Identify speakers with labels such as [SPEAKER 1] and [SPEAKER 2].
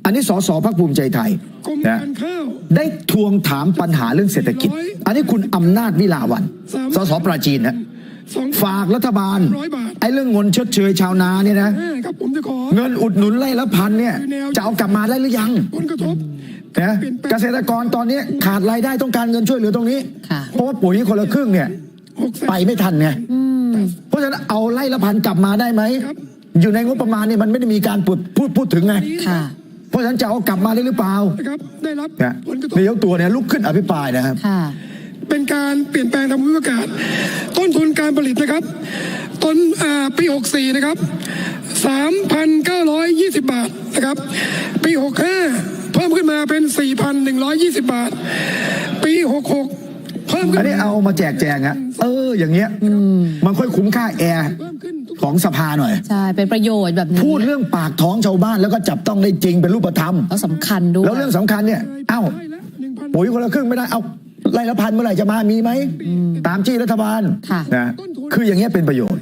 [SPEAKER 1] อันนี้สสพรรคภูมิใจไทยนะได้ทวงถามปัญหาเรื่องเศรษฐกิจอันนี้คุณอำนาจวิลาวันสสปราจีนนะฝากรัฐบาลไอ้เรื่องเงินชดเชยชาวนาเนี่ยนะเงินอุดหนุนไร่ละพันเนี่ยจะเอากลับมาได้หรือยังนะเกษตรกรตอนนี้ขาดรายได้ต้องการเงินช่วยเหลือตรงนี้เพราะว่าปุ๋ยคนละครึ่งเนี่ยไปไม่ทันไงเพราะฉะนั้นเอาไร่ละพันกลับมาได้ไหมอยู่ในงบประมาณเนี่ยมันไม่ได้มีการพูดถึงไงเพราะฉะนั้นจะเอากลับมาได้หรือเปล่าได้รับนายกตัวเนี่ยลุกขึ้นอภิปรายนะครับ
[SPEAKER 2] เป็นการเปลี่ยนแปลงทางภูมิอากาศต้นทุนการผลิตนะครับต้นปี64นะครับ 3,920 บาทนะครับปี65เพิ่มขึ้นมาเป็น 4,120 บาทปี66เพิ่มขึ้น
[SPEAKER 1] อันนี้เอามาแจกแจงอะอย่างเงี้ยมันค่อยคุ้มค่าแอร์ของสภาหน่อย
[SPEAKER 3] ใช่เป็นประโยชน์แบบนี้
[SPEAKER 1] พูดเรื่องปากท้องชาวบ้านแล้วก็จับต้องได้จริงเป็นรูปธรรม
[SPEAKER 3] แล้วสำคัญด้วย
[SPEAKER 1] แล้วเรื่องสำคัญเนี่ยปุ๋ยคนละครึ่งไม่ได้เอาไร่ละพันเมื่อไหร่จะมามีไหมตามที่รัฐบาลนะคืออย่างเงี้ยเป็นประโยชน์